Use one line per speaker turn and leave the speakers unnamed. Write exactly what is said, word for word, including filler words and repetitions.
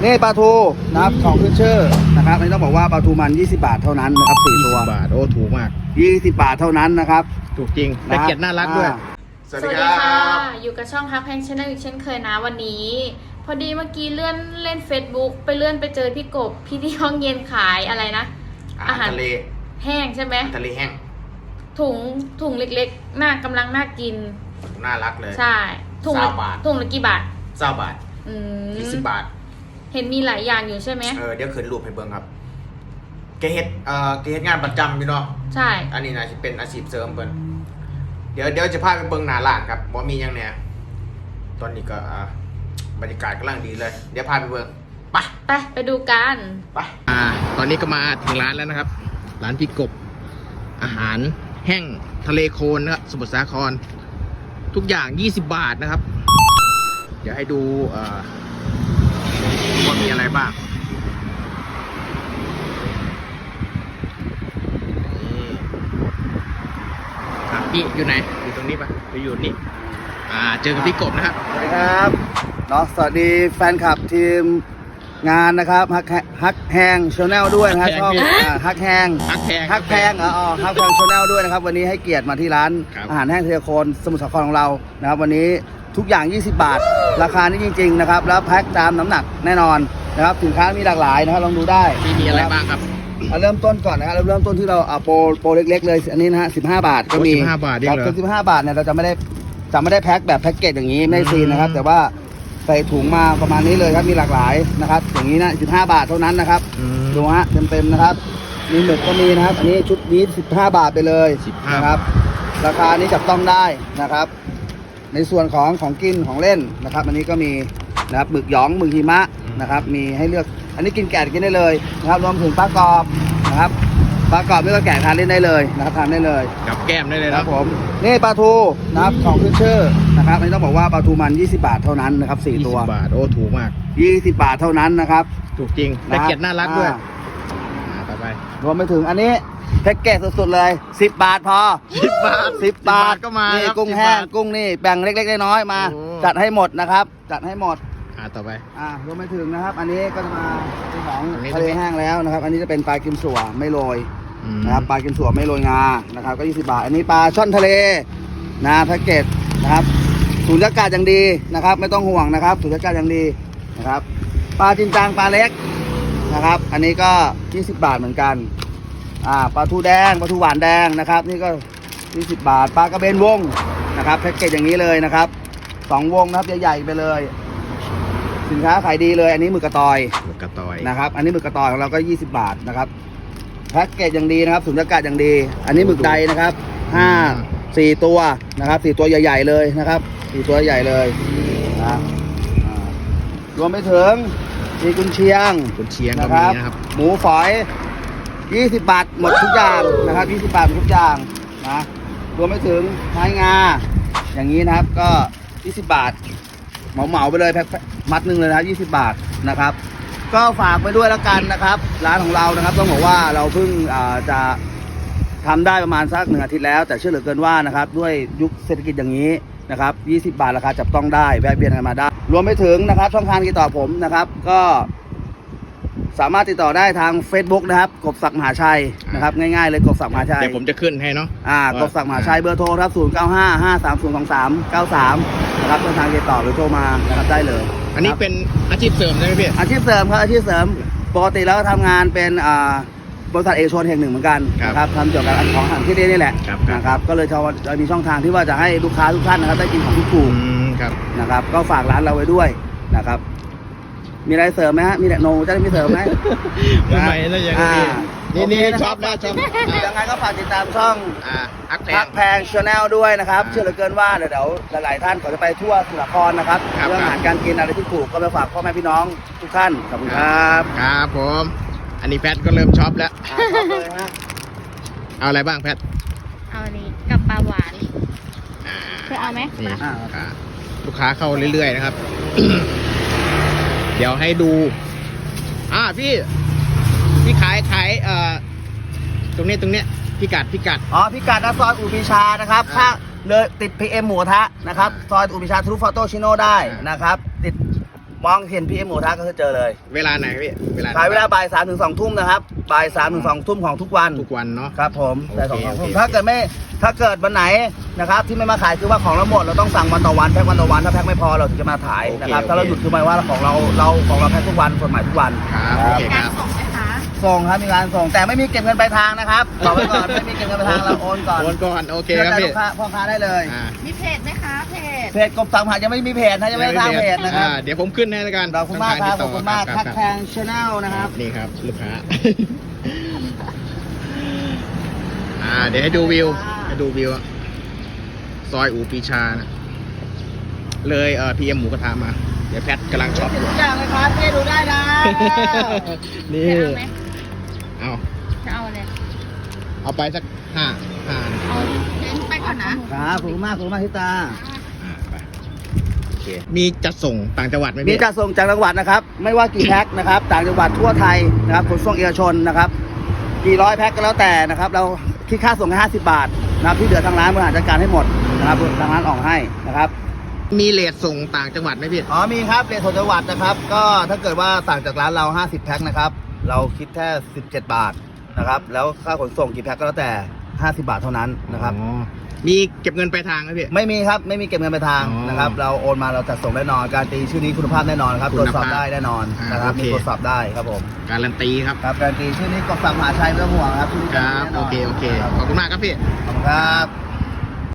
นี่ปลาทูนะครับของขึ้นชื่อนะครับนี่ต้องบอกว่าปลาทูมันยี่สิบบาทเท่านั้นนะครับสี่ตัว
บาทโอ้ถูกมาก
ยี่สิบบาทเท่านั้นนะครับ
ถูกจริงแต่เกียรติน่ารักด้วย
สวัสดีค่ะอยู่กับช่องฮักแพงชาแนลอีกเช่นเคยนะวันนี้พอดีเมื่อกี้เลื่อนเล่น Facebook ไปเลื่อนไปเจอพี่กบพี่ที่ห้องเย็นขายอะไรนะ
อาหารทะเล
แห้งใช่ไหม
ทะเลแห้ง
ถุงถุงเล็กๆน่ากำลังน่ากิน
น่ารักเลย
ใช่ถุงละถุงละกี่บาท
เก้าบาท
อืม
ยี่สิบบาท
เห็นมีหลายอย่างอยู่ใช่ไหม
เออเดี๋ยวขึ้นรูปให้เบิ่งครับเกเฮ็ดเอ่อเกเฮ็ดงานประจำพี่น้อง
ใช่
อันนี้นะจะเป็นอาชีพเสริมเพิ่นเดี๋ยวเดี๋ยวจะพาไปเบิ่งหน้าร้านครับว่ามียังเนี่ยตอนนี้ก็บรรยากาศกำลังดีเลยเดี๋ยวพาไปเบิ่งไป
ไปไปดูกัน
ไปอ่าตอนนี้ก็มาถึงร้านแล้วนะครับร้านพี่กบอาหารแห้งทะเลโคนนะครับสมุทรสาครทุกอย่างยี่สิบบาทนะครับเดี๋ยวให้ดูว่ามีอะไรบ้างครับพี่อยู่ไหนอยู่ตรงนี้ปะไปอยู่นี่อ่าเจอกับพี่กบนะครับ
สวัสดีครับเนาะสวัสดีแฟนคลับทีมงานนะครับฮักฮักแฮงชาแนลด้วยนะครับช่องฮักแฮง
ฮักแพง
ฮักแพงอ๋อฮักแพงชาแนลด้วยนะครับวันนี้ให้เกียรติมาที่ร้านอาหารแห้งทะเลโคนสมุทรสาครของเรานะครับวันนี้ทุกอย่างยี่สิบบาทราคานี้จริงๆนะครับแล้วแพ็คตามน้ำหนักแน่นอนนะครับสินค้ามีหลากหลายนะครับลองดูได้
มีอะไรบ้างครับ
เริ่มต้นก่อนนะครับเริ่มต้นที่เราเอาโปรโปรเล็กๆเลยอันนี้นะฮะสิบห้าบาทก็มี
สิบห้าบาท
ครับสิบห้าบาทเนี่ยเราจะไม่ได้จะไม่ได้แพ็คแบบแพ็คเกจอย่างนี้ไม่ซีนนะครับแต่ว่าใส่ถุงมาประมาณนี้เลยครับมีหลากหลายนะครับอย่างนี้นะสิบห้าบาทเท่านั้นนะครับดูฮะเต็มๆนะครับมีหมึกก็มีนะครับอันนี้ชุดนี้สิบห้าบาทไปเลยนะครับราคานี้จับต้องได้นะครับในส่วนของของกินของเล่นนะครับอันนี้ก็มีนะครับหมึกหยองหมึกหิมะนะครับมีให้เลือกอันนี้กินแกะกินได้เลยนะครับรวมถึงปลากรอบนะครับปลากรอบนี่ก็แกะทานเล่นได้เลยนะครับทานได้เลย
กับแก้มได้เลย
ครับผมนี่ปลาทูนะครับของขึ้นชื่อนะครับอันนี้ต้องบอกว่าปลาทูมันยี่สิบบาทเท่านั้นนะครับสี่ตัว
ยี่สิบบาทโอ้ถูกมาก
ยี่สิบบาทเท่านั้นนะครับ
ถูกจริงแต่เกียรติน่ารักด้วยต่อไป
รวมไปถึงอันนี้แพ็กเกจสุดๆเลยสิบบาทพอ
สิบบาท
สิบบาท
ก็มา
นี่กุ้งแห้งกุ้งนี่แบ่งเล็กๆน้อยๆมาจัดให้หมดนะครับจัดให้หมด
อ่าต่อไป
อ่ารวมไปถึงนะครับอันนี้ก็จะมาเป็นของทะเลแห้งแล้วนะครับอันนี้จะเป็นปลากิมสั่วไม่โรยนะครับปลากิมสั่วไม่โรยงานะครับก็ยี่สิบบาทอันนี้ปลาช่อนทะเลนะแพ็กเกจนะครับสูญญากาศอย่างดีนะครับไม่ต้องห่วงนะครับสูญญากาศอย่างดีนะครับปลาจินจางปลาเล็กนะครับอันนี้ก็ยี่สิบบาทเหมือนกันอ่าปลาทูแดงปลาทูหวานแดงนะครับนี่ก็ยี่สิบบาทปลากระเบนวงนะครับแพ็กเกจอย่างนี้เลยนะครับสองวงนะครับใหญ่ๆไปเลยสินค้าขายดีเลยอันนี้หมึกกระตอย
หมึกกระตอย
นะครับอันนี้หมึกกระตอยของเราก็ยี่สิบบาทนะครับแพ็กเกจอย่างดีนะครับสุญญากาศอย่างดีอันนี้หมึกใดนะครับห้าสี่ตัวนะครับสี่ตัวใหญ่ๆเลยนะครับสี่ตัวใหญ่เลยนะรวมไปถึงมีกุนเชียง
กุนเชียงนะครับ
หมูฝอยยี่สิบบาทหมดทุกอย่างนะครับยี่สิบบาทหมดทุกอย่างนะรวมไปถึงไม้งาอย่างนี้นะครับก็ยี่สิบบาทเหมาๆไปเลยแพ็คมัดหนึ่งเลยนะยี่สิบบาทนะครับก็ฝากไปด้วยแล้วกันนะครับร้านของเรานะครับต้องบอกว่าเราเพิ่งจะทำได้ประมาณสักหนึ่งอาทิตย์แล้วแต่เชื่อเหลือเกินว่านะครับด้วยยุคเศรษฐกิจอย่างนี้นะครับยี่สิบบาทราคาจับต้องได้แวะเวียนกันมาได้รวมไปถึงนะครับช่องทางติดต่อผมนะครับก็สามารถติดต่อได้ทาง Facebook นะครับกบศักดิ์มหาชัยนะครับง่ายๆเลยกบศักดิ์มหาชัย
เดี๋ยวผมจะขึ้นให้เนาะ
อ่ากบศักดิ์มหาชัยเบอร์โทรครับศูนย์เก้าห้า ห้าสามศูนย์ สองสาม เก้าสามนะครับช่องทางติดต่อหรือโทรมานะครับได้เลย
อันนี้เป็นอาชีพเสริมใช่ไหมพี่
อาชีพเสริมครับอาชีพเสริมปกติแล้วทำงานเป็นอ่าบริษัทเอกชนแห่งหนึ่งเหมือนกันนะครับทำเกี่ยวกับของอาหารที่นี่แหละนะครับก็เลยจะมีช่องทางที่ว่าจะให้ลูกค้าทุกท่านนะครับได้กินของที่ถูกนะครับก็ฝากร้านเราไว้ด้วยนะครับมีอะไรเสริมไหมฮะมีโนจะได้มีเสริมไหม
ไม่ไม่แล้วยังนี่นี่นี่ชอบนะชอบ
ยังไงก็ฝากติดตามช่อง
ฮัก
แพงชาแนลด้วยนะครับเชื่อเหลือเกินว่าเดี๋ยวหลายๆท่านขอจะไปทั่วสมุทรสาครนะครับเรื่องอาหารการกินอะไรที่ถูกก็ไปฝากพ่อแม่พี่น้องทุกท่านขอบคุณครับ
ครับผมอันนี้แพทก็เริ่มช็อปแล้วเอาอะไรบ้างแพท
เอาอันนี้กับปลาหวานเธอเอาไหม
ลูกค้าเข้าเรื่อยๆนะครับเดี๋ยวให้ดูอ่าพี่พี่ขายขายเอ่อตรงนี้ตรงเนี้ยพิกัดพิกัด
อ๋อพิกัดนะซอยอุปิชานะครับถ้าเลยติด พี เอ็ม หมูทะนะครับซอยอุปิชาทรูฟอโตชิโน่ได้นะครับติดมองเห็นพี่เอ็มหมูทะก็คือเจอเลย
เวลาไหนพี่เวลา
ขายเวลาบ่ายสามถึงสองทุ่มนะครับบ่ายสามถึงสองทุ่มของทุกวัน
ทุกวันเนาะ
ครับผม
โอเค
แต่สองทุ่ม
โอเค
ถ้าเกิดไม่ถ้าเกิดวันไหนนะครับที่ไม่มาขายคือว่าของเราหมดเราต้องสั่งวันต่อวันแพ็ควันต่อวันถ้าแพ็คไม่พอเราถึงจะมาขายนะครับถ้าเราหยุดคือหมายว่าของเราเราของเราแพ็คทุกวันส่วนใหม่ทุกวัน
ครับโอเคครับ
ส่งไหมคะ
ส่งครับมีการส่งแต่ไม่มีเก็บเงินปลายทางนะครับบอกไว้ก่อนไม่มีเก็บเงินปลายทางเราโอนก่อน
โอนก่อนโอเคครับ
ชื่
พี่
ใจลูกค้าพ่อค้าได้เลย
อ่า
มีเพจไหมคะเพจ
เพจกบสังหารยังไม่มีเพจนะยังไม่ได้สร้างเพจนะครับ
อ่าเดี๋ยวผมขึ้นให้แล้วกัน
ขอบคุณมากครับขอบคุณมาก
ช่
คั
อง
ก
ทาง
แพ
ติดต่อ
งชาแนลนะครับ
นี่ครับลูกค้า อ่า เดี๋ยวให้ดูวิวให้ดูวิวอะซอยอูปีชานะเลยเอ่อพีเอ็มหมูกระทะมา เดี๋ยวแพทกำลังช็อปอยู่
ทุกอย่างเลยครับพี่ดูได้นะ
นี่
จะเอาไหม
เอา
จะเอาอะไร
เอาไปสักห้าห้า
เอาเน้นไปก่อนนะครับ
ขอบคุณมากขอบคุณมากที่ตา
อ่าไปโอเคมีจัดส่งต่างจังหวัดไหม
มี
พี่
จัดส่งจากจังหวัดนะครับ ไม่ว่ากี่แพ็คนะครับ ต่างจังหวัดทั่วไทยนะครับขนส่งเอกชนนะครับกี่ร้อยแพ็คก็แล้วแต่นะครับ เราคิดค่าส่งแค่ห้าสิบบาทนะครับที่เหลือทางร้านบริหารจัดการให้หมดนะครับทางร้านออกให้นะครับ
มีเลทส่งต่างจังหวัดไหมพี่
อ๋อมีครับเรทส่งจังหวัดนะครับ ก็ถ้าเกิดว่าสั่งจากร้านเราห้าสิบแพ็คนะครับเราคิดแค่สิบเจ็ดบาทนะครับแล้วค่าขนส่งกี่แพ็คก็แล้วแต่ห้าสิบบาทเท่านั้นนะครับ
อ๋อมีเก็บเงินปลายทางไหมพี่
ไม่มีครับไม่มีเก็บเงินปลายทาง
อ๋อ
นะครับเราโอนมาเราจัดส่งแน่นอนการตีชื่อนี้คุณภาพแน่นอนครับ
คุ
ตรว
ณ
จสอบ
ภาพ
ได้แน่นอน
อ่าน
นะครับ
โอเค
มีตรวจสอบได้ครับผม
การันตีครับ
ครับการตีชื่อนี้กบสังมหาชัยไม่ต้องห่วงครับชื่อนี้
ครับ โอเค โอเค
ครับ
ขอบคุณมากครับพี่
ขอบคุณครับ